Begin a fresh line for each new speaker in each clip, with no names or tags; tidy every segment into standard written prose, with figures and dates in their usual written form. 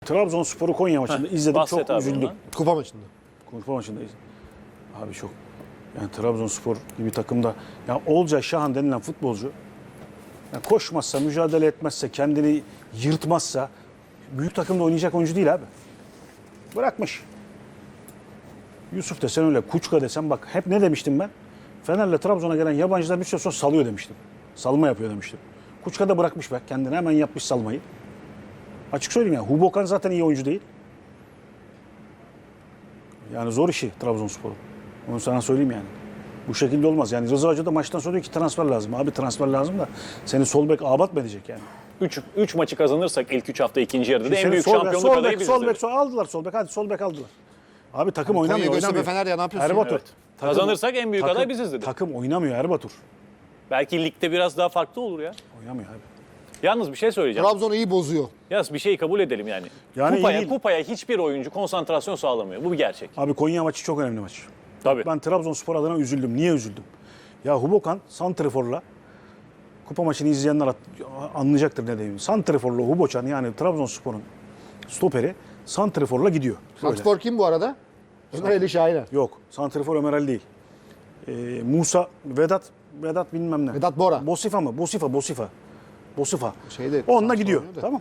Trabzonspor'u Konya maçında izledim.
bahset
Çok
abi
üzüldüm.
ondan.
Kupa maçında.
Kupa maçında izledim. Abi çok. Yani Trabzonspor gibi takımda ya Olcay Şahan denilen futbolcu ya koşmazsa, mücadele etmezse, kendini yırtmazsa büyük takımda oynayacak oyuncu değil abi. Bırakmış. Yusuf desen öyle, Kuçka desen bak hep ne demiştim ben? Fener'le Trabzon'a gelen yabancılar bir süre sonra salıyor demiştim. Salma yapıyor demiştim. Kuçka da bırakmış be kendine hemen yapmış salmayı. Açık söyleyeyim ya Hubokan zaten iyi oyuncu değil. Yani zor işi Trabzonspor'un. Onu sana söyleyeyim yani. Bu şekilde olmaz. Yani Rıza Hoca da maçtan sonra diyor ki transfer lazım. Abi transfer lazım da seni sol bek abat mı edecek yani?
3 maçı kazanırsak ilk 3 hafta ikinci yarıda da en
Seni
büyük
sol bek,
şampiyonluk
sol
adayı
bek,
biziz.
sol bek, aldılar sol bek. Hadi sol bek aldılar. Abi takım
Konya,
oynamıyor.
Göztepe, Fener ya ne yapıyorsun?
Erbatur.
Evet. Kazanırsak en büyük aday biziz dedi.
Takım oynamıyor Erbatur.
Belki ligde biraz daha farklı olur ya.
Oynamıyor abi.
Yalnız bir şey söyleyeceğim.
Trabzon'u iyi bozuyor.
Yalnız bir şeyi kabul edelim yani.
Yani iyi değil.
Kupaya hiçbir oyuncu konsantrasyon sağlamıyor. Bu bir gerçek.
Abi Konya maçı çok önemli maç.
Tabii.
Ben Trabzonspor adına üzüldüm. Niye üzüldüm? Ya Hubokan santriforla kupa maçını izleyenler anlayacaktır ne dediğimi. Santriforla Hubocan yani Trabzonspor'un stoperi santriforla gidiyor. Böyle.
Santrfor kim bu arada? Ömer Ali Şahiner.
Yok. Santrifor Ömer Ali değil. Musa, Vedat bilmem ne.
Vedat Bora.
Bosifa mı? Bosifa.
Şeyde,
Onunla
Samsun
gidiyor.
oynuyor da.
Tamam.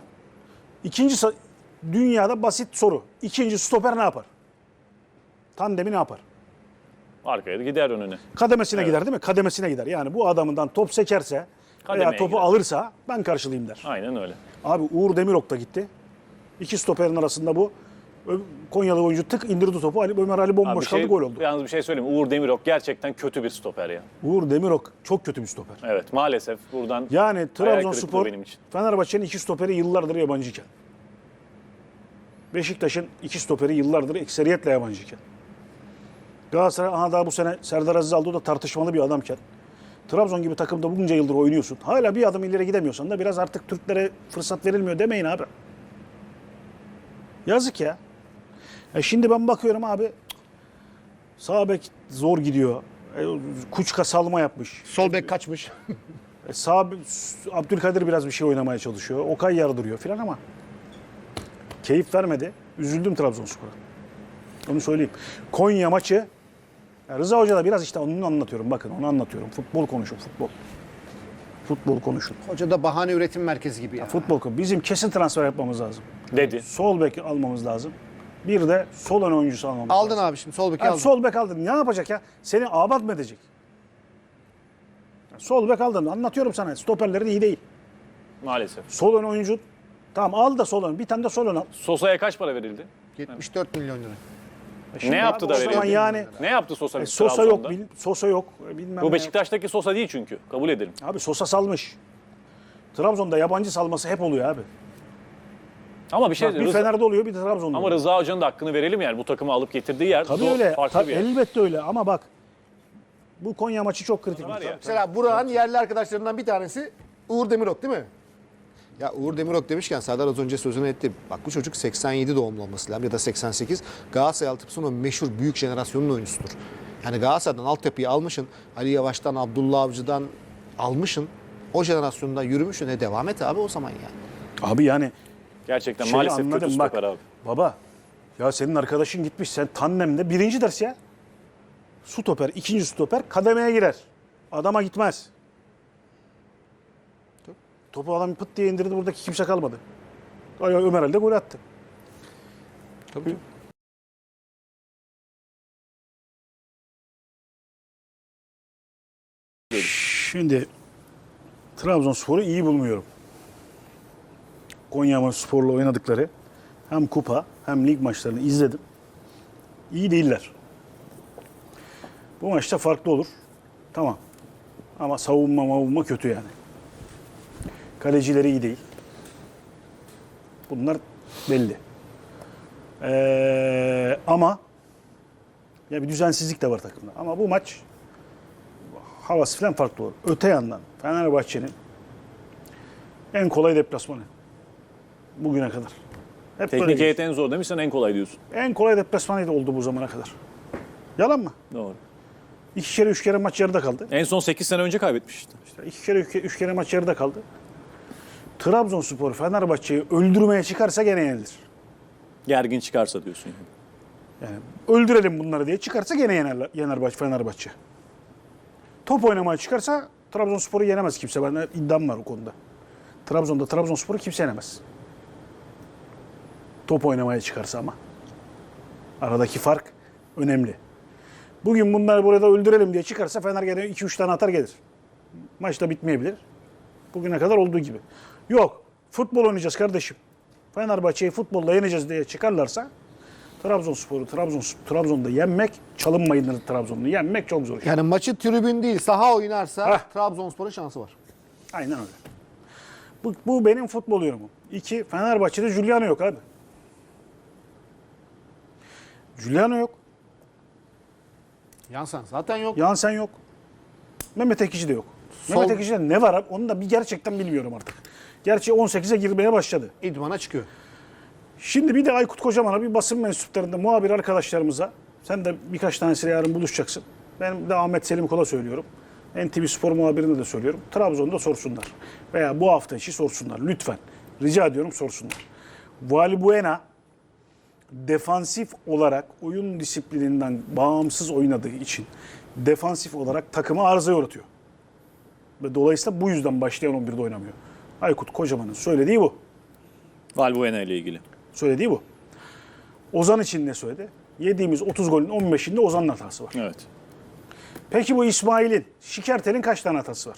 Dünyada basit soru. İkinci stoper ne yapar? Tandemi ne yapar?
Arkaya da gider önüne.
Kademesine gider değil mi? Kademesine gider. Yani bu adamından top sekerse veya
Kademeye
topu
gider.
alırsa ben karşılayayım der.
Aynen öyle.
Abi Uğur Demirok da gitti. İki stoperin arasında bu Konyalı oyuncu tık indirdi topu. Ömer Ali
Abi
bomboş kaldı gol oldu.
Yalnız bir şey söyleyeyim. Uğur Demirok gerçekten kötü bir stoper ya.
Uğur Demirok çok kötü bir stoper.
Evet maalesef buradan
Yani
hayal kırıklığı
Trabzonspor,
benim için.
Fenerbahçe'nin iki stoperi yıllardır yabancıyken. Beşiktaş'ın iki stoperi yıllardır ekseriyetle yabancıyken. Galatasaray daha bu sene Serdar Aziz aldı, o da tartışmalı bir adamken. Trabzon gibi takımda bunca yıldır oynuyorsun. Hala bir adım ileri gidemiyorsan da biraz artık Türklere fırsat verilmiyor demeyin abi. Yazık ya. Şimdi ben bakıyorum abi sağ bek zor gidiyor. Kuçka salma yapmış.
Sol bek kaçmış.
Abdülkadir biraz bir şey oynamaya çalışıyor. Okay yardırıyor filan ama keyif vermedi. Üzüldüm Trabzonspor'a. Onu söyleyeyim. Konya maçı ya Rıza Hoca da biraz işte onu anlatıyorum. Bakın onu anlatıyorum. Futbol konuşun futbol. Futbol konuşun.
Hoca da bahane üretim merkezi gibi ya.
Futbol konuşun. Bizim kesin transfer yapmamız lazım.
Dedi.
Sol bek almamız lazım. Bir de sol ön oyuncusu almamız
Aldın
lazım.
abi şimdi sol beki
Yani
aldın.
sol bek aldın. Ne yapacak ya? Seni abat mı edecek? Sol bek aldın. Anlatıyorum sana. Stoperlerin iyi değil.
Maalesef.
Sol ön oyuncu tamam al da sol ön. Bir tane de sol ön al.
Sosa'ya kaç para verildi?
74 milyon lira.
Şimdi
Ne yaptı
abi
da
o zaman
verildi?
yani
Ne yaptı Sosa?
Sosa yok,
Trabzon'da?
Sosa yok. Bilmem
Bu
ne.
Beşiktaş'taki Sosa değil çünkü. Kabul edelim.
Abi Sosa salmış. Trabzon'da yabancı salması hep oluyor abi.
Ama bir şey
Bak, bir Fener'de oluyor, bir de Trabzon'da
Ama
oluyor.
Rıza Hoca'nın da hakkını verelim yani bu takımı alıp getirdiği yer
Tabii öyle.
farklı bir yer.
Elbette öyle ama bak bu Konya maçı çok kritik.
Var ya.
Mesela Burak'ın yerli arkadaşlarından bir tanesi Uğur Demirok değil mi? Ya Uğur Demirok demişken Serdar az önce sözünü etti. Bak bu çocuk 87 doğumlu olması lazım ya da 88. Galatasaray altyapısının o meşhur büyük jenerasyonun oyuncusudur. Yani Galatasaray'dan altyapıyı almışın. Ali Yavaş'tan, Abdullah Avcı'dan almışın. O jenerasyonda yürümüşsün. Devam et abi o zaman yani.
Abi yani
Gerçekten
şeyi
maalesef kötü
anladım bak.
stoper abi.
Baba ya senin arkadaşın gitmiş sen tandemde birinci ders ya. Stoper, ikinci stoper kademeye girer. Adama gitmez. Topu adam pıt diye indirdi, buradaki kimse kalmadı. Ömer Ali de gol attı.
Tabii.
Şimdi Trabzonspor'u iyi bulmuyorum. Konyaspor'la oynadıkları hem kupa hem lig maçlarını izledim. İyi değiller. Bu maçta farklı olur. Tamam. Ama savunma kötü yani. Kalecileri iyi değil. Bunlar belli. Ama ya bir düzensizlik de var takımda. Ama bu maç havası falan farklı olur. Öte yandan Fenerbahçe'nin en kolay deplasmanı bugüne kadar. Hep böyle
Teknik heyet
geçti.
en zor demişsen en kolay diyorsun.
En kolay deplasmanıydı oldu bu zamana kadar. Yalan mı?
Doğru.
2 kere 3 kere maç yarıda kaldı.
En son 8 sene önce kaybetmiş işte.
İşte 2 kere 3 kere maç yarıda kaldı. Trabzonspor Fenerbahçe'yi öldürmeye çıkarsa gene yenilir.
Gergin çıkarsa diyorsun yani.
Yani öldürelim bunları diye çıkarsa gene yener Fenerbahçe. Top oynamaya çıkarsa Trabzonspor'u yenemez kimse. Ben iddiam var o konuda. Trabzonspor'u kimse yenemez. Top oynamaya çıkarsa ama. Aradaki fark önemli. Bugün bunları burada öldürelim diye çıkarsa Fener gene 2-3 tane atar gelir. Maç da bitmeyebilir. Bugüne kadar olduğu gibi. Yok. Futbol oynayacağız kardeşim. Fenerbahçe'yi futbolla yeneceğiz diye çıkarlarsa Trabzon'da yenmek, çalınmayın Trabzon'u yenmek çok zor.
Yani maçı tribün değil saha oynarsa
Hah.
Trabzonspor'un şansı var.
Aynen öyle. Bu benim futbol yorumum. 2. Fenerbahçe'de Giuliano yok abi. Giuliano yok.
Yansan zaten yok.
Jansen yok. Mehmet Ekici de yok. Mehmet Ekici'de ne var abi? Onu da bir gerçekten bilmiyorum artık. Gerçi 18'e girmeye başladı.
İdmana çıkıyor.
Şimdi bir de Aykut Kocaman'a bir basın mensuplarında muhabir arkadaşlarımıza, sen de birkaç tanesiyle yarın buluşacaksın. Ben de Ahmet Selim Kol'a söylüyorum. NTV Spor muhabirine de söylüyorum. Trabzon'da sorsunlar. Veya bu hafta içi sorsunlar. Lütfen. Rica ediyorum sorsunlar. Valbuena defansif olarak oyun disiplininden bağımsız oynadığı için defansif olarak takıma arıza yaratıyor. Ve dolayısıyla bu yüzden başlayan 11'de oynamıyor. Aykut Kocaman'ın söylediği bu.
Valbuena ile ilgili.
Söylediği bu. Ozan için ne söyledi? Yediğimiz 30 golün 15'inde Ozan'ın hatası var.
Evet.
Peki bu İsmail'in, Şikertel'in kaç tane hatası var?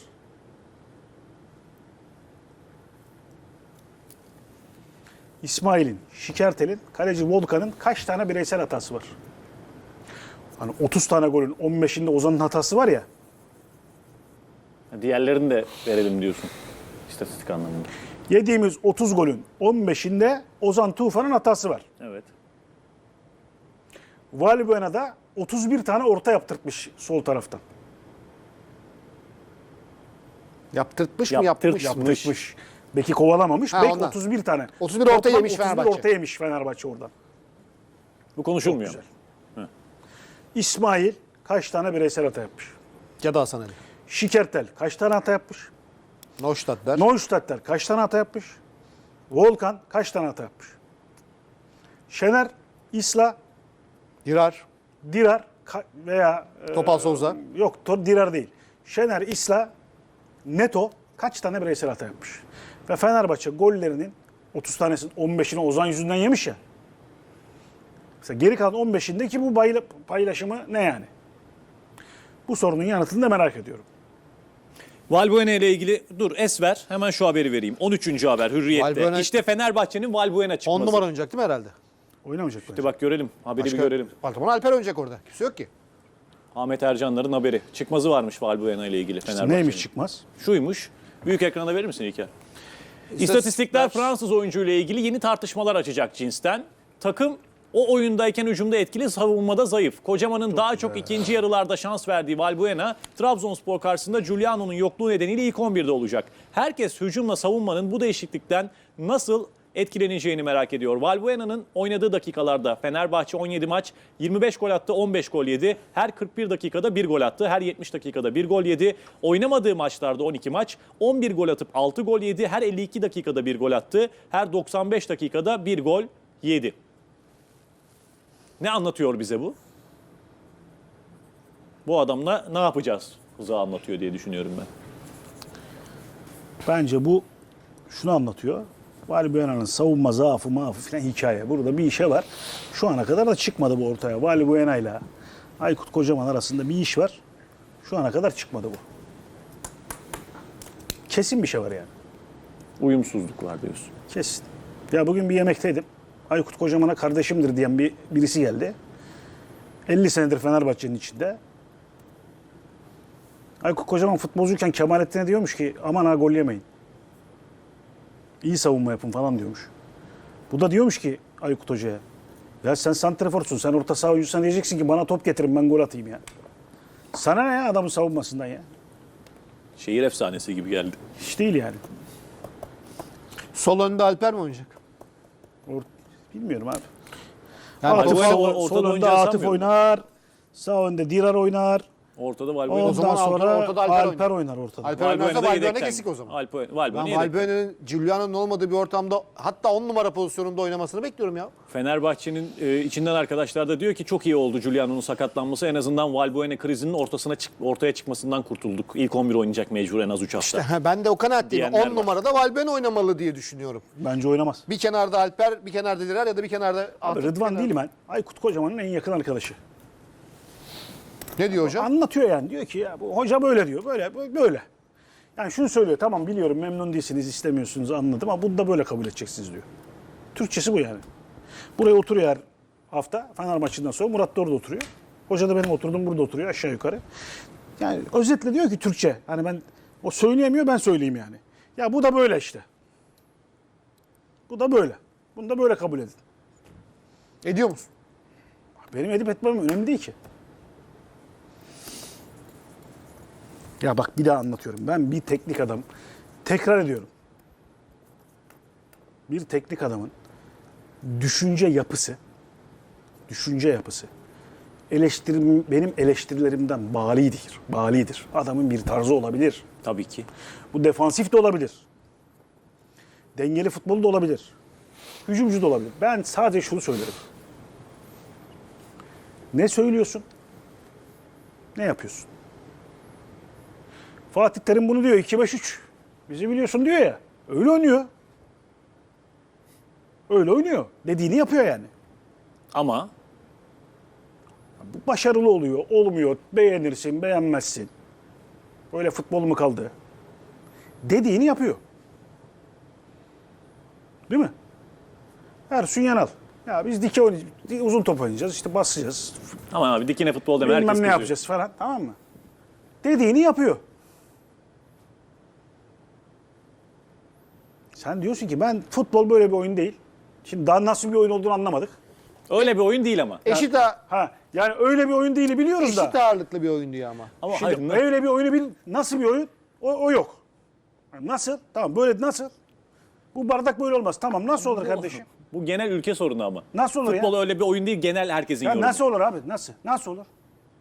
İsmail'in, Şikertel'in, kaleci Volkan'ın kaç tane bireysel hatası var? Hani 30 tane golün 15'inde Ozan'ın hatası var ya.
Diğerlerini de verelim diyorsun. İstatistik anlamında.
Yediğimiz 30 golün 15'inde Ozan Tufan'ın hatası var.
Evet.
Valbuena'da 31 tane orta yaptırtmış sol taraftan.
Yaptırtmış mı yapmış?
Yaptırtmış. Beki kovalamamış.
Ha,
Bek
ondan.
31 tane.
31 orta
Toplam
yemiş
31
Fenerbahçe.
orta yemiş Fenerbahçe oradan.
Bu konuşulmuyor.
Güzel. İsmail kaç tane bireysel hata yapmış?
Ya da Hasan Ali.
Şikertel kaç tane hata yapmış?
Neustadtler.
Neustadtler kaç tane hata yapmış? Volkan kaç tane hata yapmış? Şener, İsla,
Dirar.
Dirar veya
Topal Souza.
Yok, Dirar değil. Şener, İsla, Neto kaç tane bireysel hata yapmış? Ve Fenerbahçe gollerinin 30 tanesinin 15'ini Ozan yüzünden yemiş ya. Mesela geri kalan 15'indeki bu paylaşımı ne yani? Bu sorunun yanıtını da merak ediyorum.
Valbuena ile ilgili Esver hemen şu haberi vereyim. 13. haber Hürriyet'te.
Valbuena-
İşte Fenerbahçe'nin Valbuena
10
çıkması.
numara oynayacak değil mi herhalde?
Oynamayacak
İşte
bence.
bak görelim. Haberi bir görelim.
Baltamon Alper oynayacak orada. Kimse yok ki.
Ahmet Ercanlar'ın haberi. Çıkmazı varmış Valbuena ile ilgili Fenerbahçe'nin.
Neymiş çıkmaz?
Şuymuş. Büyük ekrana verir misin İlker? İstatistikler Fransız oyuncu ile ilgili yeni tartışmalar açacak cinsten. Takım o oyundayken hücumda etkili, savunmada zayıf. Kocaman'ın daha çok ikinci yarılarda şans verdiği Valbuena, Trabzonspor karşısında Giuliano'nun yokluğu nedeniyle ilk 11'de olacak. Herkes hücumla savunmanın bu değişiklikten nasıl etkileneceğini merak ediyor. Valbuena'nın oynadığı dakikalarda Fenerbahçe 17 maç, 25 gol attı, 15 gol yedi. Her 41 dakikada 1 gol attı, her 70 dakikada 1 gol yedi. Oynamadığı maçlarda 12 maç, 11 gol atıp 6 gol yedi. Her 52 dakikada 1 gol attı, her 95 dakikada 1 gol yedi. Ne anlatıyor bize bu? Bu adamla ne yapacağız? Hıza anlatıyor diye düşünüyorum ben.
Bence bu şunu anlatıyor. Valbuena'nın savunma zaafı falan hikaye. Burada bir işe var. Şu ana kadar da çıkmadı bu ortaya. Valbuena ile Aykut Kocaman arasında bir iş var. Şu ana kadar çıkmadı bu. Kesin bir şey var yani.
Uyumsuzluk var diyorsun.
Kesin. Ya bugün bir yemekteydim. Aykut Kocaman'a kardeşimdir diyen birisi geldi. 50 senedir Fenerbahçe'nin içinde. Aykut Kocaman futbolcuyken Kemalettin'e diyormuş ki aman ha gol yemeyin. İyi savunma yapın falan diyormuş. Bu da diyormuş ki Aykut Hoca'ya, ya sen santraforsun, sen orta saha oyuncusan diyeceksin ki bana top getirin ben gol atayım ya. Sana ne ya adamın savunmasından ya?
Şehir efsanesi gibi geldi.
Hiç değil yani.
Sol önde Alper mi oynayacak?
Bilmiyorum abi.
Yani
Atıf
Valbuena
sol
ortada
önde
oynayacağı
Atıf
sanmıyorum.
oynar. Sağ önde Dirar oynar.
Ortada Valbuena.
Ondan
zaman
sonra
ortada Alper
Alper oynar ortada.
Alper oynarsa
Valbuena'da
Valbuena
yedekten.
kesik o zaman.
Valbuena
Ben
yedekten.
Valbuena'nın Giuliano'nun olmadığı bir ortamda hatta 10 numara pozisyonunda oynamasını bekliyorum ya.
Fenerbahçe'nin içinden arkadaşlar da diyor ki çok iyi oldu Giuliano'nun sakatlanması. En azından Valbuena krizinin ortaya çıkmasından kurtulduk. İlk 11 oynayacak mecbur en az 3 hafta.
Ben de o kanaatteyim.
Diyenler
10
var.
numarada Valbuena oynamalı diye düşünüyorum.
Bence oynamaz.
Bir kenarda Alper, bir kenarda Direr ya da bir kenarda...
Abi Rıdvan değilim ben. Aykut Kocaman'ın en yakın arkadaşı.
Ne diyor hocam?
Anlatıyor yani. Diyor ki ya bu hoca böyle diyor. Böyle. Yani şunu söylüyor. Tamam biliyorum memnun değilsiniz, istemiyorsunuz anladım ama bunu da böyle kabul edeceksiniz diyor. Türkçesi bu yani. Buraya oturuyor her hafta. Fener maçından sonra Murat da orada oturuyor. Hoca da benim oturduğum burada oturuyor aşağı yukarı. Yani özetle diyor ki Türkçe. Hani ben o söyleyemiyor ben söyleyeyim yani. Ya bu da böyle işte. Bu da böyle. Bunu da böyle kabul edin.
Ediyor musun?
Benim edip etmem önemli değil ki. Ya bak bir daha anlatıyorum. Ben bir teknik adam, tekrar ediyorum. Bir teknik adamın düşünce yapısı benim eleştirilerimden balidir. Adamın bir tarzı olabilir.
Tabii ki.
Bu defansif de olabilir. Dengeli futbol da olabilir. Hücumcu da olabilir. Ben sadece şunu söylerim. Ne söylüyorsun? Ne yapıyorsun? Fatih Terim bunu diyor 2-5-3. Bizi biliyorsun diyor ya. Öyle oynuyor. Öyle oynuyor. Dediğini yapıyor yani.
Ama
Bu başarılı oluyor, olmuyor. Beğenirsin, beğenmezsin. Böyle futbol mu kaldı? Dediğini yapıyor. Değil mi? Ersun Yanal. Ya biz dike oynayacağız, uzun top oynayacağız, işte basacağız.
ama abi dikine futbol deme herkes
Bilmem ne
kızıyor.
yapacağız falan, tamam mı? Dediğini yapıyor. Sen diyorsun ki ben futbol böyle bir oyun değil. Şimdi daha nasıl bir oyun olduğunu anlamadık.
Öyle bir oyun değil ama.
Yani öyle bir oyun değil biliyoruz da.
Eşit ağırlıklı bir oyun diyor ama.
Ama
Şimdi
hayır,
öyle bir oyunu nasıl bir oyun? O yok. Yani nasıl? Tamam böyle nasıl? Bu bardak böyle olmaz. Tamam nasıl olur kardeşim?
bu genel ülke sorunu ama.
Nasıl olur
Futbol
ya?
öyle bir oyun değil, genel herkesin
Ya
yorumu.
nasıl olur abi? Nasıl? Nasıl olur?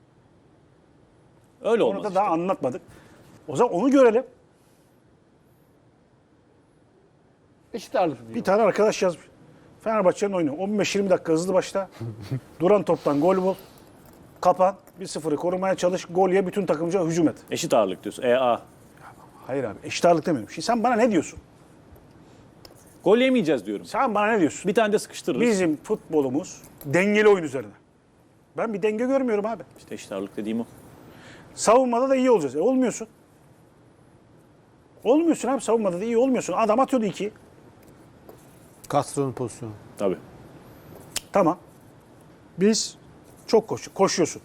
Öyle
Onu
olmaz.
da
işte.
daha anlatmadık. O zaman onu görelim.
Eşit ağırlıklı diyor.
Bir tane arkadaş yazmış. Fenerbahçe'nin oyunu. 15-20 dakika hızlı başla. Duran toptan gol bul. Kapan. 1-0'ı korumaya çalış. Gol ye bütün takımca hücum et.
Eşit ağırlık diyorsun. A.
Hayır abi. Eşit ağırlık demiyorum. Şimdi sen bana ne diyorsun?
Gol yemeyeceğiz diyorum.
Sen bana ne diyorsun?
Bir tane de sıkıştırırız.
Bizim futbolumuz dengeli oyun üzerine. Ben bir denge görmüyorum abi.
İşte eşit ağırlık dediğim o.
Savunmada da iyi olacağız. Olmuyorsun. Olmuyorsun abi savunmada da iyi olmuyorsun. Adam atıyordu 2.
Castro'nun pozisyonu.
Tabii.
Tamam. Biz çok koşuyorsun.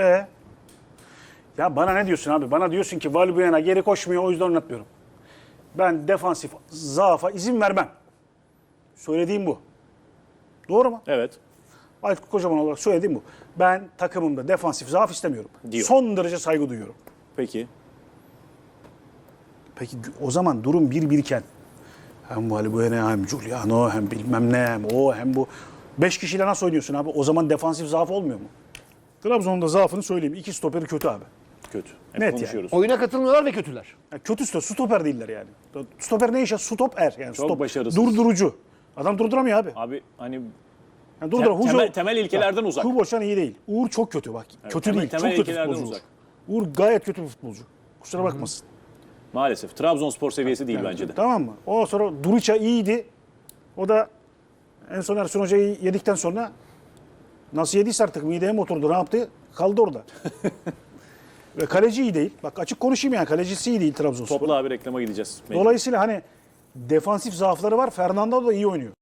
Ya bana ne diyorsun abi? Bana diyorsun ki Valbuena geri koşmuyor o yüzden oynatmıyorum. Ben defansif zaafa izin vermem. Söylediğim bu. Doğru mu?
Evet.
Aykut Kocaman olarak söylediğim bu. Ben takımımda defansif zaaf istemiyorum.
Diyor.
Son derece saygı duyuyorum.
Peki.
Peki o zaman durum 1-1 iken hem Valbuena hem Giuliano hem bilmem ne hem o hem bu 5 kişiyle nasıl oynuyorsun abi? O zaman defansif zaaf olmuyor mu? Trabzon'un da zaafını söyleyeyim. 2 stoperi kötü abi.
Kötü. Hep
Net
konuşuyoruz.
Oyuna katılmıyorlar ve kötüler.
Ya kötü stoper değiller yani. Stoper ne işe? Stoper yani.
Çok başarısız.
Durdurucu. Adam durduramıyor abi.
Abi hani
Yani durduramıyor.
temel ilkelerden uzak.
Kuboşan iyi değil. Uğur çok kötü bak. Kötü değil.
temel
Çok kötü
ilkelerden
futbolcu.
uzak.
Uğur gayet kötü bir futbolcu. Kusura bakmasın.
maalesef Trabzonspor seviyesi değil bence de.
Tamam mı? O sonra Duriça iyiydi. O da en son Ersun Hoca'yı yedikten sonra nasıl yediyse artık mideye mi oturdu ne yaptı? Kaldı orada. Ve kaleci iyi değil. Bak açık konuşayım yani kalecisi iyi değil Trabzonspor.
Topla abi reklama gideceğiz.
Dolayısıyla hani defansif zaafları var. Fernando da iyi oynuyor.